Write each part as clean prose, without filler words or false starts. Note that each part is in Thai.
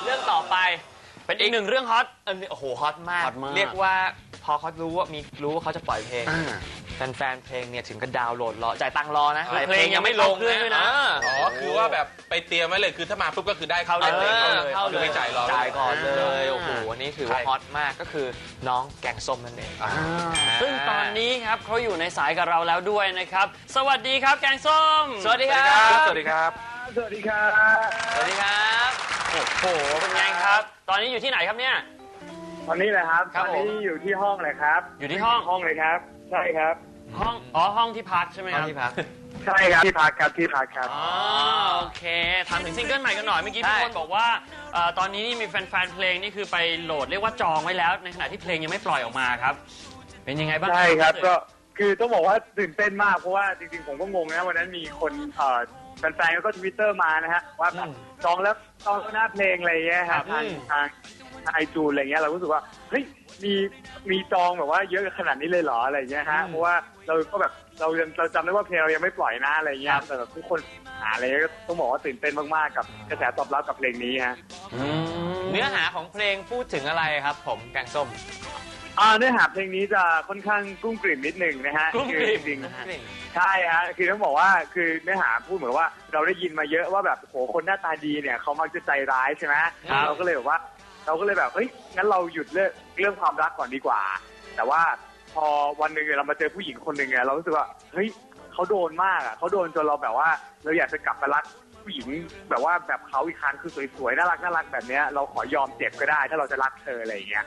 เรื่องต่อไปเป็นอีกหนึ่งเรื่องฮอตโอ้โหฮอตมากฮอตมากเรียกว่าพอเขารู้ว่าเขาจะปล่อยเพลงแฟนเพลงเนี่ยถึงก็ดาวน์โหลดรอจ่ายตังค์รอนะเพลงยังไม่ลงด้วยนะคือว่าแบบไปเตรียมไว้เลยคือถ้ามาปุ๊บก็คือได้เข้าเลยคือไม่จ่ายรอจ่ายก่อนเลยโอ้โหอันนี้ถือว่าฮอตมากก็คือน้องแกงส้มนั่นเองซึ่งตอนนี้ครับเขาอยู่ในสายกับเราแล้วด้วยนะครับสวัสดีครับแกงส้มสวัสดีครับสวัสดีครับสวัสดีครับสวัสดีครับโอ้โหเป็นไงครับตอนนี้อยู่ที่ไหนครับเนี่ยตอนนี้เลยครับตอนนี้อยู่ที่ห้องเลยครับอยู่ที่ห้องเลยครับใช่ครับห้องที่พักใช่ไหมครับที่พักใช่ครับที่พักครับอ๋อโอเคถามถึงซิงเกิลใหม่กันหน่อยเมื่อกี้พี่คนบอกว่าตอนนี้นี่มีแฟนเพลงนี่คือไปโหลดเรียกว่าจองไว้แล้วในขณะที่เพลงยังไม่ปล่อยออกมาครับเป็นยังไงบ้างใช่ครับก็คือต้องบอกว่าตื่นเต้นมากเพราะว่าจริงๆผมก็งงนะวันนั้นมีคนแฟนๆก็ทวิตเตอร์มานะฮะว่าจองแล้วหน้าเพลงอะไรเงี้ยครับทางไอจูนอะไรเงี้ยเรารู้สึกว่าเฮ้ยมีจองแบบว่าเยอะขนาดนี้เลยเหรออะไรเงี้ยฮะเพราะว่าเราก็แบบเราจำได้ว่าเพลงเรายังไม่ปล่อยนะอะไรเงี้ยแต่แบบทุกคนหาอะไรก็ต้องบอกว่าตื่นเต้นมากๆกับกระแสตอบรับกับเพลงนี้ฮะเนื้อหาของเพลงพูดถึงอะไรครับผมแกงส้มเนื้อหาเพลงนี้จะค่อนข้างกุ้งกลิ่มนิดหนึ่งนะฮะคือจริงๆใช่ฮะคือต้องบอกว่าคือเนื้อหาพูดเหมือนว่าเราได้ยินมาเยอะว่าแบบโหคนหน้าตาดีเนี่ยเขามักจะใจร้ายใช่ไหมเราก็เลยแบบเฮ้ยงั้นเราหยุดเรื่องความรักก่อนดีกว่าแต่ว่าพอวันหนึ่งเรามาเจอผู้หญิงคนหนึ่งเนี่ยเรารู้สึกว่าเฮ้ยเขาโดนมากอ่ะเขาโดนจนเราแบบว่าเราอยากจะกลับมารักผู้หญิงแบบว่าแบบเขาอีกครั้งคือสวยๆน่ารักแบบเนี้ยเราขอยอมเจ็บก็ได้ถ้าเราจะรักเธออะไรอย่างเงี้ย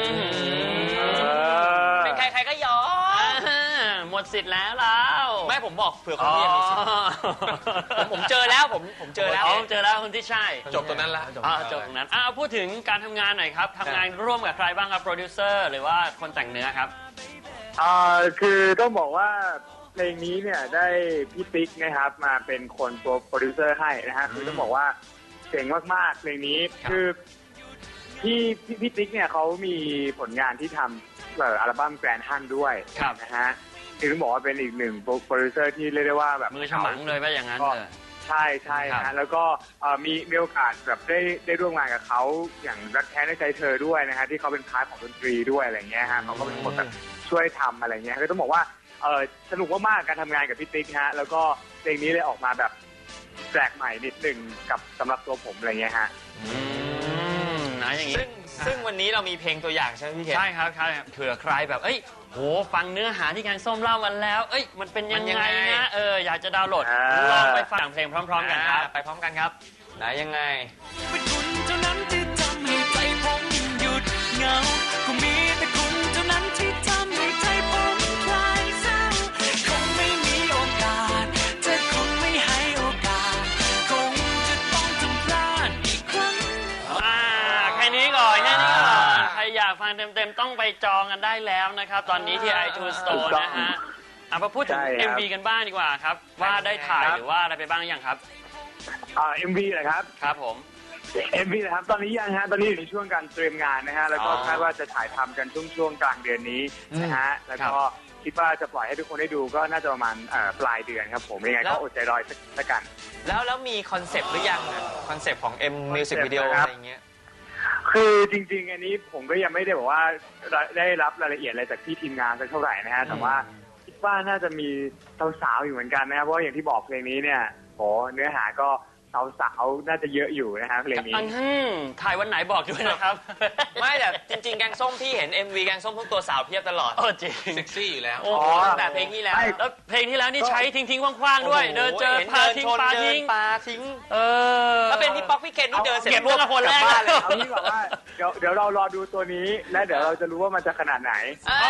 เป็นใครก็ยอมหมดสิทธิ์แล้วเราไม่ผมบอกเผื่อคนที่ยังมีสิทธิ์ผมเจอแล้วผมเจอแล้วคนที่ใช่จบตรงนั้นละจบตรงนั้นพูดถึงการทำงานหน่อยครับทำงานร่วมกับใครบ้างครับโปรดิวเซอร์หรือว่าคนแต่งเนื้อครับคือต้องบอกว่าเพลงนี้เนี่ยได้พี่ติ๊กนะครับมาเป็นคนตัวโปรดิวเซอร์ให้นะฮะคือต้องบอกว่าเจ๋งมากๆเพลงนี้คือพี่ติ๊กเนี่ยเขามีผลงานที่ทำอัลบั้มแกรนด์ฮันด้วยนะฮะคือต้องบอกว่าเป็นอีกหนึ่งโปรดิวเซอร์ที่เรียกได้ว่าแบบมือฉมังเลยว่าอย่างนั้นใช่ฮะแล้วก็มีโอกาสแบบได้ร่วมงานกับเขาอย่างรักแท้ในใจเธอด้วยนะฮะที่เขาเป็นพาร์ทของดนตรีด้วยอะไรเงี้ยฮะเขาก็เป็นคนแบบช่วยทำอะไรเงี้ยก็ต้องบอกว่าสนุกมากๆการทำงานกับพี่ติ๊กฮะแล้วก็เพลงนี้เลยออกมาแบบแปลกใหม่นิดนึงกับสำหรับตัวผมอะไรเงี้ยฮะนะอย่างนี้ซึ่งวันนี้เรามีเพลงตัวอย่างใช่ไหมพี่เคนใช่ครับเผื่อใครแบบโหฟังเนื้อหาที่แกงส้มเล่ามันแล้วมันเป็นยังไงนะอยากจะดาวน์โหลดลองไปฟังเพลงพร้อมๆกันครับไปพร้อมกันครับไหนยังไงเป็นคุณเท่านั้นที่ทำให้ใจผมหยุดเหงาก็มีแต่คุณเท่านั้นที่ทำให้ใจผมคลายเศร้าคงไม่มีโอกาสเธอคงไม่ให้โอกาสคงจะต้องทำพลาดอีกครั้งแค่นี้ก่อนใครอยากฟังเต็มๆต้องไปจองกันได้แล้วนะครับตอนนี้ที่ iTunes Store นะฮะมาพูดถึง MV กันบ้างดีกว่าครับว่าได้ถ่ายหรือว่าอะไรไปบ้างหรือยังครับ MV นะครับครับผม MV นะครับตอนนี้ยังฮะตอนนี้อยู่ในช่วงการเตรียมงานนะฮะแล้วก็คาดว่าจะถ่ายทำกันช่วงกลางเดือนนี้นะฮะแล้วก็คิดว่าจะปล่อยให้ทุกคนได้ดูก็น่าจะประมาณปลายเดือนครับผมยังไงก็อดใจรอสักกันแล้วมีคอนเซปต์หรือยังคอนเซปต์ของ M Music Video อะไรเงี้ยคือจริงๆอันนี้ผมก็ยังไม่ได้บอกว่าได้รับรายละเอียดอะไรจากที่ทีมงานสักเท่าไหร่นะฮะแต่ว่าคิดว่าน่าจะมีสาวๆอยู่เหมือนกันนะครับเพราะอย่างที่บอกเพลงนี้เนี่ยโหเนื้อหาก็สาวๆน่าจะเยอะอยู่นะฮะเพลงนี้ถ่ายวันไหนบอกด้วยนะครับไม่แต่จริงๆแกงส้มพี่เห็น MV แกงส้มทุกตัวสาวเพียบตลอดจริงเซ็กซี่อยู่แล้วแต่เพลงนี้แล้วเพลงที่แล้วนี่ใช้ทิ้งๆคว่างๆด้วยเดินเจอปลาทิ้งปลาทิ้งถ้าเป็นพี่ป๊อกพี่เคนนี่เดินเสร็จเก็บเรื่องคนแรกเลยเอางี้บอกว่าเดี๋ยวเรารอดูตัวนี้และเดี๋ยวเราจะรู้ว่ามันจะขนาดไหน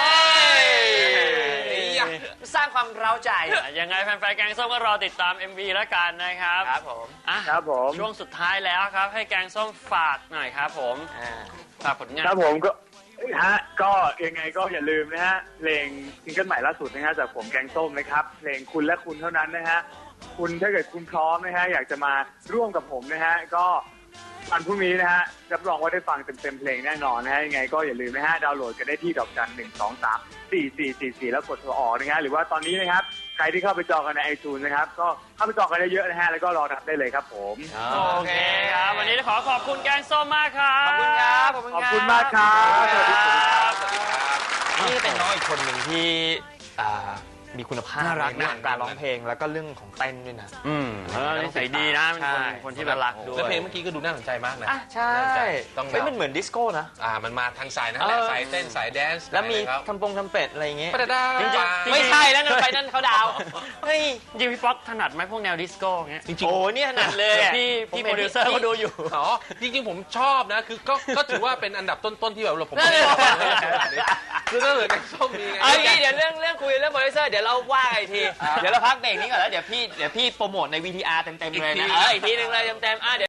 สร้างความเร้าใจยังไงแฟนๆแกงส้มก็รอติดตาม MV แล้วกันนะครับครับผมช่วงสุดท้ายแล้วครับให้แกงส้มฝากหน่อยครับผมฝากผลงานครับผมก็ยังไงก็อย่าลืมนะฮะเพลงซิงเกิลใหม่ล่าสุดนะฮะจากผมแกงส้มนะครับเพลงคุณและคุณเท่านั้นนะฮะคุณถ้าเกิดคุณพร้อมนะฮะอยากจะมาร่วมกับผมนะฮะก็วันพรุ่งนี้นะฮะรับรองว่าได้ฟังเต็มเพลงแน่นอนนะฮะยังไงก็อย่าลืมนะฮะดาวน์โหลดกันได้ที่ดอกจัน 123 4444แล้วกดโทรออกนะฮะหรือว่าตอนนี้นะครับใครที่เข้าไปจองกันใน iTunes นะครับก็เข้าไปจองกันเยอะๆนะฮะแล้วก็รอรับได้เลยครับผมโอเคครับ วันนี้ขอขอบคุณแกงส้มมากครับขอบคุณครับขอบคุณมากครับสวัสดีครับนี่เป็นน้องอีกคนหนึ่งที่มีคุณภาพน่ารักในเรื่องของการร้องเพลงแล้วก็เรื่องของเต้นด้วยนะนิสัยดีนะเป็นคนใช่คนที่แบบรักด้วแล้วยเพลงเมื่อกี้ก็ดูน่าสนใจมากนะอ่ะใช่น่าสนใจต้องเฮ้ยมันเหมือนดิสโก้นะมันมาทางสายนั้นแหละเออสายเต้นสายแดนซ์แล้วมีครับทำเป็ดอะไรอย่างเงี้ยปะดาจริงๆปาไม่ใช่แล้วนั่นไปนั่นเขาดาวเฮ้ยจริงพี่ป๊อกถนัดไหมพวกแนวดิสโก้เงี้ยจริงๆโอ้เนี่ยขนาดเลยอะพี่โปรดิวเซอร์เขาดูอยู่อ๋อจริงๆผมชอบนะคือก็ถือว่าเป็นอันดับต้นๆที่แบบผมนั่นเลยชอบคือถ้าเกิดแกงส้มมีไงเอาอย่างงี้เดี๋ยวเรื่องคุยเรื่องโปรดิวเซอร์เดี๋ยวเราว่ากันอีกที เดี๋ยวเราพักเบรกนี้ก่อนแล้วเดี๋ยวพี่โปรโมทใน VTR เต็มๆเลยนะอีกทีนึงเลยเต็มๆเดี๋ยว